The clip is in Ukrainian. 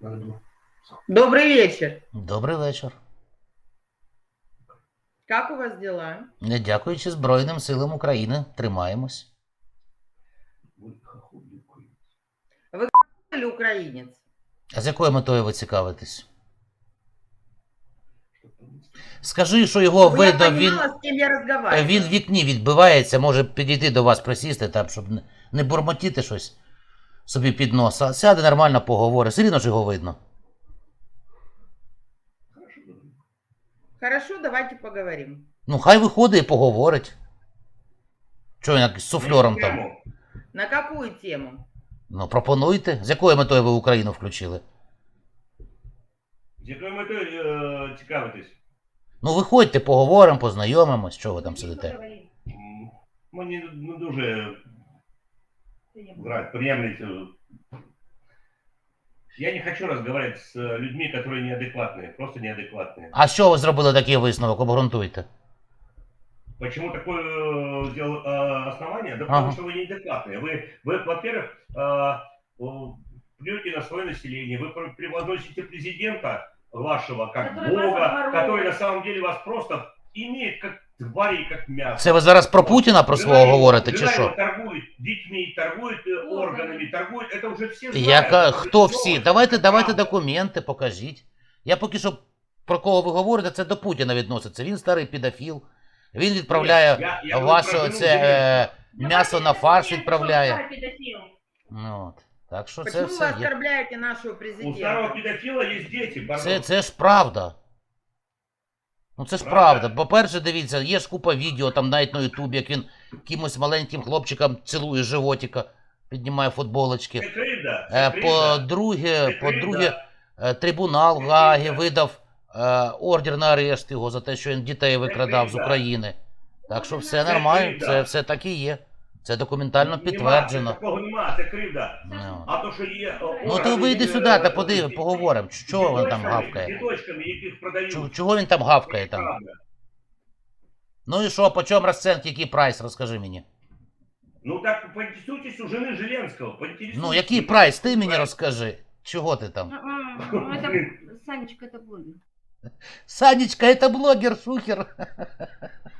Добрый вечер. Добрий вечір. Как у вас дела? Не дякуючи Збройним силам України, тримаємось. Или украинец? А з якою метою ви цікавитесь? Скажи, що його Чтобы я видно, він понимала, с кем я разговариваю. в вікні відбивається, може підійти до вас, присісти там, щоб не бурмотіти щось собі під нос, а сяде нормально поговорить. Все рівно ж його видно. Хорошо, давайте поговорим. Ну, хай виходить і поговорить. Чого він як з суфльором там? На какую тему? Ну, пропонуйте. З якою метою ви Україну включили? З якою метою цікавитись? Ну, виходьте, поговоримо, познайомимось, чого ви там сидите. Мені не дуже приємлять. Я не хочу разговаривать с людьми, которые неадекватные, просто неадекватные. А що ви зробили такий висновок? Обґрунтуйте. Почему такое сделал основание? Да Ага. потому что вы неадекватные. Вы во-первых, плюете на свое население, вы превозносите президента вашего как Который вас бога, обворовывает. который на самом деле вас просто имеет как тварей, как мясо. Це ви зараз про Путіна про свого говорите, чи Жена его що? торгует детьми, торгует органами, торгует, это уже все знают. Яка, Это хто уже всі? всё. Давайте Правда. документи, покажіть. Я поки що, про кого ви говорите, це до Путіна відноситься. Він старий педофіл. Він відправляє Я говорю ваше про жену це Зеленского. м'ясо на фарш відправляє. Старый педофил. Ну, от. Так що це Почему вы все є. оскорбляете нашего У старого президента? педофила есть дети, пардон. Це ж правда. Ну це ж правда. По-перше, дивіться, є ж купа відео там навіть на Ютубі, як він кимось маленьким хлопчикам цілує животика, піднімає футболочки. Це кривда, це кривда. По-друге, трибунал в Гаагі видав ордер на арешт його за те, що він дітей викрадав з України. Так що все Це нормально, кривда. це все так і є. Це документально підтверджено. Такого нема, це кривда. Ну. А то, що є... Ну то вийди сюди та подиви, поговоримо. Чого він там гавкає? Діточками, яких продають. Чого він там гавкає там? Правда. Ну і що, по чому розценки, який прайс, розкажи мені. Ну так, поинтересуйтесь у жены Зеленского, поинтересуйтесь. Ну, який прайс, ти мені розкажи. Чого ти там? Ну, это, Санечка, это блогер. Санечка, это блогер, шухер.